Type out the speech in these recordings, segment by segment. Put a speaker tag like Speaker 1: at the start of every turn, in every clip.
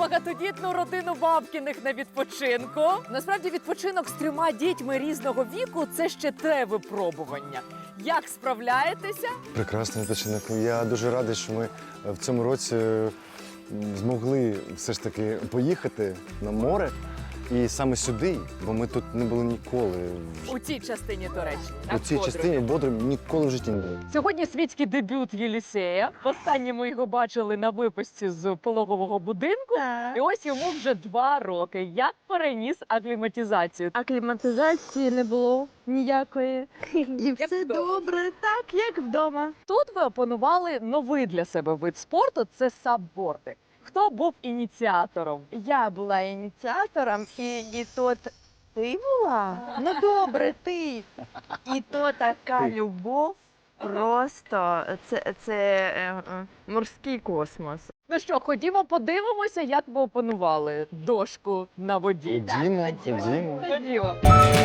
Speaker 1: багатодітну родину Бабкіних на відпочинку. Насправді відпочинок з 3 дітьми різного віку – це ще те випробування. Як справляєтеся?
Speaker 2: Прекрасний відпочинок. Я дуже радий, що ми в цьому році змогли все ж таки поїхати на море. І саме сюди, бо ми тут не були ніколи.
Speaker 1: У цій частині Туреччини.
Speaker 2: У цій частині Бодрум ніколи в житті не були.
Speaker 1: Сьогодні світський дебют Єлісея. Востаннє ми його бачили на випуску з пологового будинку. І ось йому вже 2 роки. Як переніс акліматизацію?
Speaker 3: Акліматизації не було ніякої. І все
Speaker 1: вдома.
Speaker 3: добре, так, як вдома.
Speaker 1: Тут ви опанували новий для себе вид спорту – це саббординг. Хто був ініціатором?
Speaker 3: Я була ініціатором, і то ти була? Ну добре, ти. І то така любов. Просто це морський космос.
Speaker 1: Ну що, ходімо подивимося, як ви опанували дошку на воді.
Speaker 2: Ходімо.
Speaker 1: Ходімо.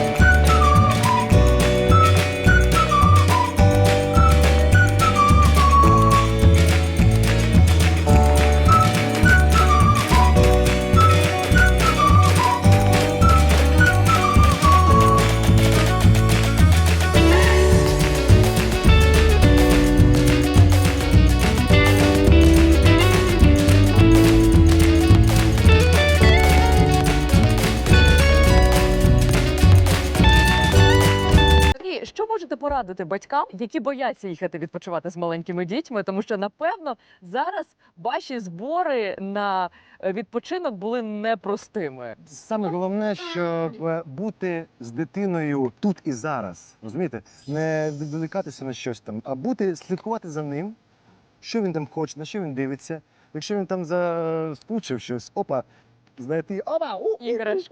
Speaker 1: І що можете порадити батькам, які бояться їхати відпочивати з маленькими дітьми? Тому що, напевно, зараз ваші збори на відпочинок були непростими.
Speaker 2: Саме головне, щоб бути з дитиною тут і зараз. Розумієте? Не відволікатися на щось там, а слідкувати за ним, що він там хоче, на що він дивиться. Якщо він там заскучив щось, знайти,
Speaker 1: Іграшку.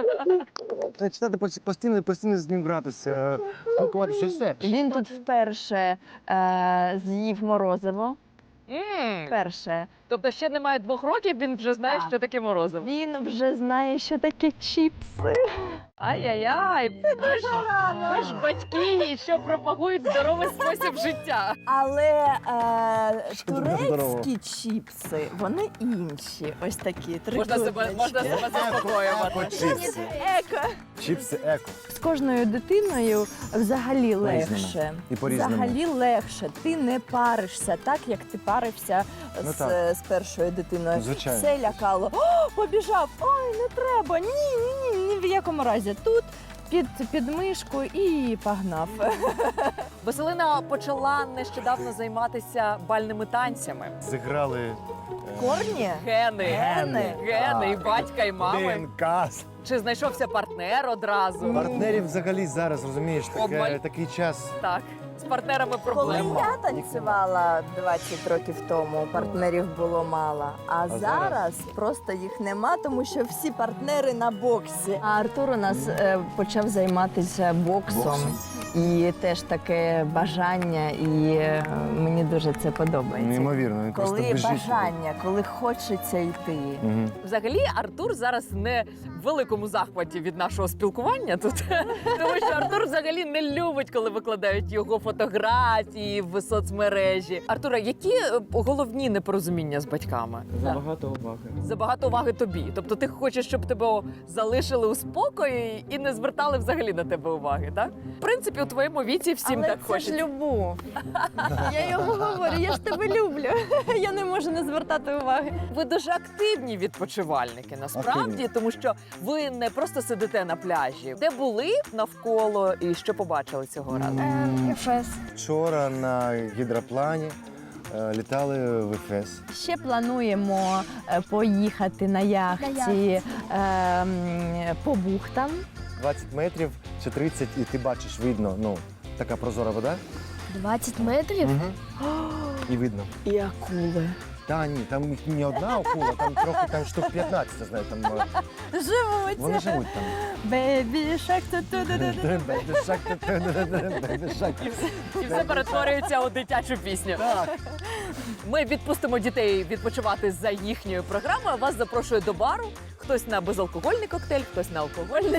Speaker 2: читати постійно з ним гратися, спілкуватися, все.
Speaker 3: Він тут вперше з'їв морозиво. Вперше.
Speaker 1: Тобто ще немає 2 років, він вже знає,
Speaker 3: Так.
Speaker 1: що таке морозиво.
Speaker 3: Він вже знає, що таке чіпси.
Speaker 1: Ай-яй-яй, ви ж батьки, що пропагують здоровий спосіб життя.
Speaker 4: Але
Speaker 2: Що тут здорово?
Speaker 4: турецькі чіпси, вони інші. Ось такі
Speaker 1: Можна себе заспокоювати.
Speaker 2: Чіпси.
Speaker 4: Еко.
Speaker 2: Чіпси еко.
Speaker 4: З кожною дитиною взагалі
Speaker 2: По-різному.
Speaker 4: легше.
Speaker 2: І по-різному.
Speaker 4: Взагалі легше. Ти не паришся так, як ти парився
Speaker 2: Ну
Speaker 4: з першою дитиною.
Speaker 2: Звичайно.
Speaker 4: Все лякало. О, побіжав! Ой, не треба! Ні в якому разі. Тут під мишку і погнав.
Speaker 1: Василина почала нещодавно займатися бальними танцями.
Speaker 2: Зіграли
Speaker 4: Корні?
Speaker 1: Гени і батька, і мами.
Speaker 2: ДНК.
Speaker 1: Чи знайшовся партнер одразу?
Speaker 2: Партнерів взагалі зараз, розумієш,
Speaker 1: Обмаль.
Speaker 2: такий час.
Speaker 1: Так, з партнерами
Speaker 4: Коли
Speaker 1: проблема.
Speaker 4: я танцювала 20 років тому, партнерів було мало. А зараз просто їх нема, тому що всі партнери на боксі. А Артур у нас почав займатися боксом. І теж таке бажання, і мені дуже це подобається.
Speaker 2: Неймовірно, він просто
Speaker 4: Коли
Speaker 2: біжить.
Speaker 4: бажання, коли хочеться йти.
Speaker 2: Мгм.
Speaker 1: Взагалі, Артур зараз не в великому захваті від нашого спілкування тут, тому що Артур взагалі не любить, коли викладають його фотографії в соцмережі. Артура, які головні непорозуміння з батьками?
Speaker 5: Забагато уваги.
Speaker 1: Забагато уваги тобі. Тобто ти хочеш, щоб тебе залишили у спокої і не звертали взагалі на тебе уваги, так? В принципі, у твоєму віці всім
Speaker 4: Але
Speaker 1: так
Speaker 4: це
Speaker 1: хочеться.
Speaker 4: ж любов. Я йому говорю, я ж тебе люблю. Я не можу не звертати уваги.
Speaker 1: Ви дуже активні відпочивальники, насправді,
Speaker 2: Активні.
Speaker 1: тому що ви не просто сидите на пляжі. Де були навколо і що побачили цього разу?
Speaker 4: Ефес.
Speaker 2: Вчора на гідроплані літали в Ефес.
Speaker 4: Ще плануємо поїхати на яхті по бухтам.
Speaker 2: 20 метрів чи 30, і ти бачиш, видно, така прозора вода.
Speaker 4: 20 метрів?
Speaker 2: І видно.
Speaker 4: І акули.
Speaker 2: Та ні, там їх не одна акула, там трохи, там штук 15, я знаю, там
Speaker 4: Живуть.
Speaker 2: вони живуть там.
Speaker 4: Бейбі шак
Speaker 1: І все перетворюється у дитячу пісню.
Speaker 2: Так.
Speaker 1: Ми відпустимо дітей відпочивати за їхньою програмою. Вас запрошую до бару. Хтось на безалкогольний коктейль, хтось на алкогольний.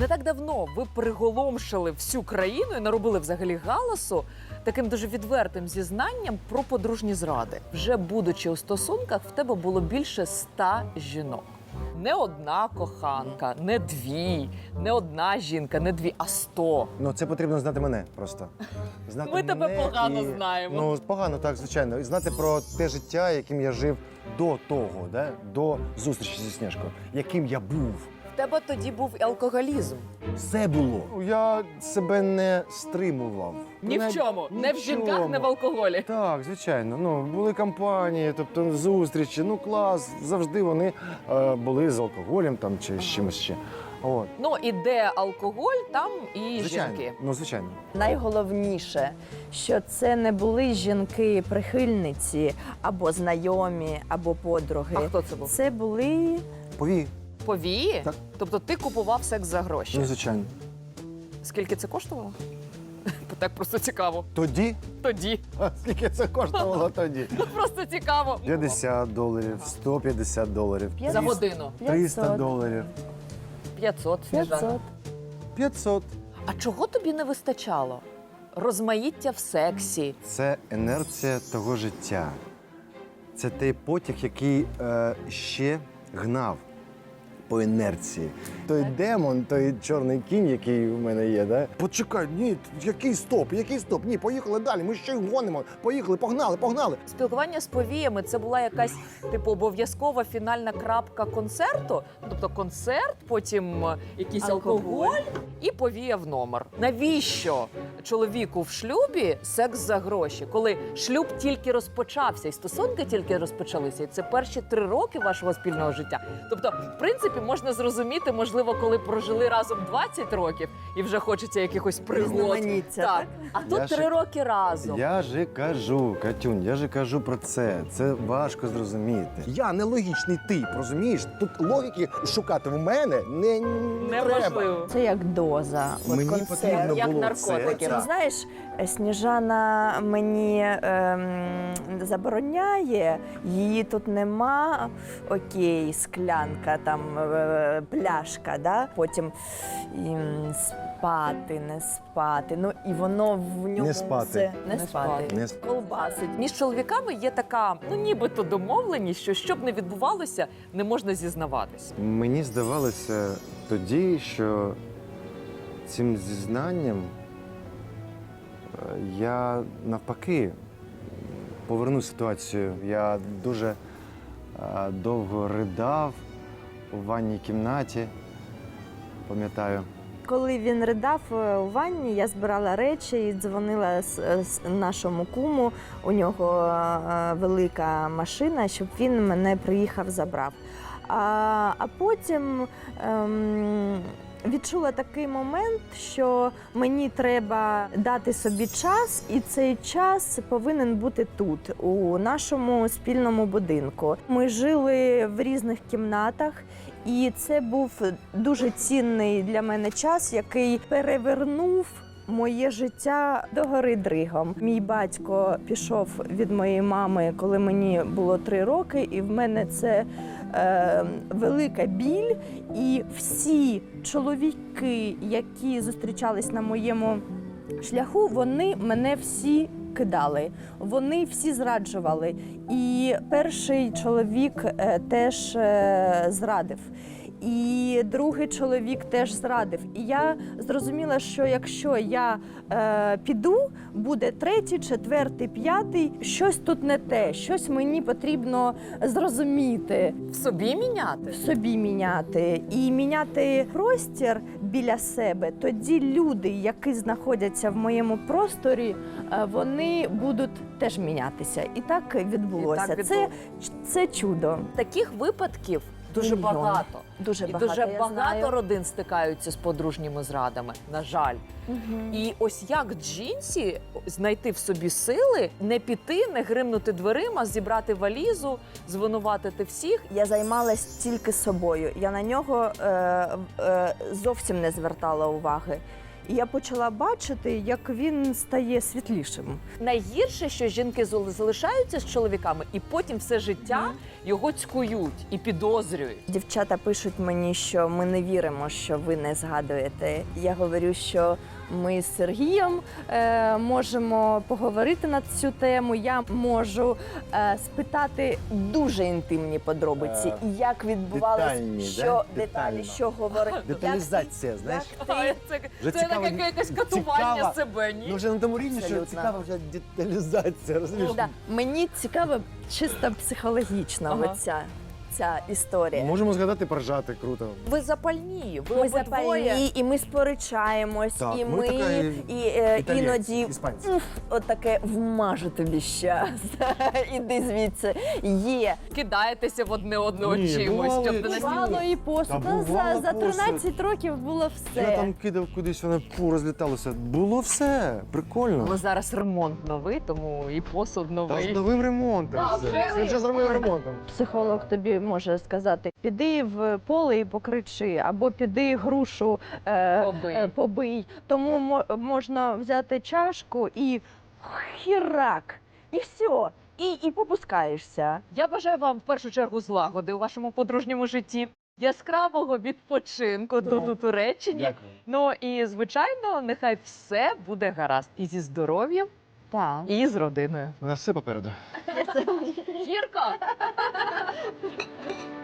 Speaker 1: Не так давно ви приголомшили всю країну і наробили взагалі галасу таким дуже відвертим зізнанням про подружні зради. Вже будучи у стосунках, в тебе було більше 100 жінок. Не одна коханка, не дві, не одна жінка, не дві, а 100.
Speaker 2: Ну, це потрібно знати мене просто. Знати
Speaker 1: Ми тебе
Speaker 2: мене
Speaker 1: погано знаємо.
Speaker 2: Ну, погано, так, звичайно. І знати про те життя, яким я жив до того, да? До зустрічі зі Снежкою, яким я був.
Speaker 1: В тебе тоді був і алкоголізм.
Speaker 2: Все було. Я себе не стримував.
Speaker 1: Ні в чому. Не в жінках, не в алкоголі.
Speaker 2: Так, звичайно. Ну, були компанії, тобто зустрічі, ну клас. Завжди вони були з алкоголем там, чи з чимось ще. От.
Speaker 1: Ну і де алкоголь, там і
Speaker 2: Звичайно.
Speaker 1: жінки.
Speaker 2: Ну, звичайно.
Speaker 4: Найголовніше, що це не були жінки-прихильниці, або знайомі, або подруги.
Speaker 1: А хто це був?
Speaker 4: Це були
Speaker 2: Повій.
Speaker 1: Повії?
Speaker 2: Так.
Speaker 1: Тобто ти купував секс за гроші.
Speaker 2: Ну, звичайно.
Speaker 1: Скільки це коштувало? Так просто цікаво.
Speaker 2: Тоді?
Speaker 1: Тоді.
Speaker 2: А скільки це коштувало тоді?
Speaker 1: Просто цікаво.
Speaker 2: $50, $150,
Speaker 1: За годину.
Speaker 2: 300 доларів.
Speaker 1: 500, Сніжана.
Speaker 4: 500.
Speaker 2: 500.
Speaker 1: А чого тобі не вистачало? Розмаїття в сексі.
Speaker 2: Це інерція того життя. Це той потяг, який ще гнав по інерції. Той демон, той чорний кінь, який у мене є, да? Почекай, ні, який стоп, який стоп? Ні, поїхали далі, ми ще й гонимо. Поїхали, погнали, погнали.
Speaker 1: Спілкування з повіями це була якась типу обов'язкова фінальна крапка концерту. Тобто концерт, потім якийсь алкоголь і повія в номер. Навіщо чоловіку в шлюбі секс за гроші, коли шлюб тільки розпочався, і стосунки тільки розпочалися, і це перші 3 роки вашого спільного життя. Тобто, в принципі, можна зрозуміти, можливо, коли прожили разом 20 років і вже хочеться якихось пригод.
Speaker 4: Різноманіття, так?
Speaker 1: А
Speaker 2: Я
Speaker 1: тут
Speaker 2: ж-
Speaker 1: 3 роки разом.
Speaker 2: Я же кажу, Катюнь, я же кажу про це. Це важко зрозуміти. Я нелогічний тип, розумієш? Тут логіки шукати в мене не треба.
Speaker 1: Неможливо.
Speaker 4: Це як доза. От
Speaker 2: Мені
Speaker 4: концерт.
Speaker 2: потрібно
Speaker 1: Як
Speaker 2: було
Speaker 1: наркотики.
Speaker 2: це.
Speaker 4: Ти знаєш, Сніжана мені забороняє, її тут нема. Окей, склянка, там пляшка, да? Потім спати, не спати. Ну і воно в ньому
Speaker 2: Не спати.
Speaker 4: все не
Speaker 1: Не
Speaker 4: спати.
Speaker 1: спати.
Speaker 2: Не сп-
Speaker 4: Колбасить.
Speaker 1: Між чоловіками є така, ну нібито домовленість, що щоб не відбувалося, не можна зізнаватись.
Speaker 2: Мені здавалося тоді, що цим зізнанням я навпаки поверну ситуацію. Я дуже довго ридав у ванній кімнаті, пам'ятаю.
Speaker 4: Коли він ридав у ванні, я збирала речі і дзвонила нашому куму. У нього велика машина, щоб він мене приїхав, забрав. А потім відчула такий момент, що мені треба дати собі час, і цей час повинен бути тут, у нашому спільному будинку. Ми жили в різних кімнатах, і це був дуже цінний для мене час, який перевернув моє життя догори дригом. Мій батько пішов від моєї мами, коли мені було 3 роки, і в мене це велика біль. І всі чоловіки, які зустрічались на моєму шляху, вони мене всі кидали, вони всі зраджували. І перший чоловік теж зрадив. І другий чоловік теж зрадив. І я зрозуміла, що якщо я піду, буде 3-й, 4-й, 5-й, щось тут не те, щось мені потрібно зрозуміти,
Speaker 1: В собі міняти?
Speaker 4: в собі міняти і міняти простір біля себе. Тоді люди, які знаходяться в моєму просторі, вони будуть теж мінятися. І так відбулося.
Speaker 1: І так
Speaker 4: Це чудо.
Speaker 1: Таких випадків дуже
Speaker 4: Мільйон.
Speaker 1: багато.
Speaker 4: Дуже
Speaker 1: І
Speaker 4: багато.
Speaker 1: дуже
Speaker 4: я
Speaker 1: багато
Speaker 4: знаю.
Speaker 1: родин стикаються з подружніми зрадами, на жаль. І ось як жінці знайти в собі сили, не піти, не гримнути дверима, зібрати валізу, звинуватити всіх.
Speaker 4: Я займалась тільки собою. Я на нього зовсім не звертала уваги. І я почала бачити, як він стає світлішим.
Speaker 1: Найгірше, що жінки залишаються з чоловіками, і потім все життя його цькують і підозрюють.
Speaker 4: Дівчата пишуть мені, що ми не віримо, що ви не згадуєте. Я говорю, що ми з Сергієм можемо поговорити на цю тему. Я можу спитати дуже інтимні подробиці, як відбувалося,
Speaker 2: детальні,
Speaker 4: що
Speaker 2: да?
Speaker 4: деталі,
Speaker 2: Детально.
Speaker 4: що говорити.
Speaker 2: Деталізація, знаєш?
Speaker 1: Це
Speaker 2: цікаво,
Speaker 1: таке якесь катування
Speaker 2: цікаво.
Speaker 1: себе, ні?
Speaker 2: Ну вже на тому рівні, що
Speaker 4: Абсолютно.
Speaker 2: цікава вже деталізація, розумієш?
Speaker 4: Да. Мені цікаво чисто психологічно
Speaker 1: Ага.
Speaker 4: ця історія.
Speaker 2: Можемо згадати, поржати, круто.
Speaker 1: Ви запальні, ви
Speaker 4: Ми
Speaker 1: обидвоє.
Speaker 4: запальні, і ми сперечаємось,
Speaker 2: Так,
Speaker 4: і
Speaker 2: ми
Speaker 4: ми
Speaker 2: така
Speaker 4: іноді
Speaker 2: іспанці.
Speaker 4: от таке вмажу тобі щас. Іди звідси. Є.
Speaker 1: Кидаєтеся в одне одного
Speaker 2: Ні,
Speaker 1: чимось,
Speaker 2: бувало
Speaker 1: щоб
Speaker 2: і
Speaker 1: не
Speaker 2: бувало.
Speaker 1: настільки.
Speaker 3: Бувало і посуд.
Speaker 2: Та
Speaker 3: Ну,
Speaker 2: бувало
Speaker 3: за
Speaker 2: посуд.
Speaker 3: 13 років було
Speaker 2: Я
Speaker 3: все.
Speaker 2: там кидав кудись, воно розліталося. Було все, прикольно.
Speaker 1: Ну, зараз ремонт новий, тому і посуд
Speaker 2: Та з
Speaker 1: новий.
Speaker 2: новим ремонтом. все. Все вже з новим ремонтом.
Speaker 3: Психолог тобі може сказати: піди в поле і покричи, або піди грушу
Speaker 1: Побий.
Speaker 3: побий. Тому можна взяти чашку і хірак, і все. І попускаєшся.
Speaker 1: Я бажаю вам в першу чергу злагоди у вашому подружньому житті, яскравого відпочинку тут у Туреччині.
Speaker 2: Дякую.
Speaker 1: Ну і звичайно, нехай все буде гаразд і зі здоров'ям,
Speaker 3: Так.
Speaker 1: і з родиною.
Speaker 2: У нас все попереду.
Speaker 1: Гірко!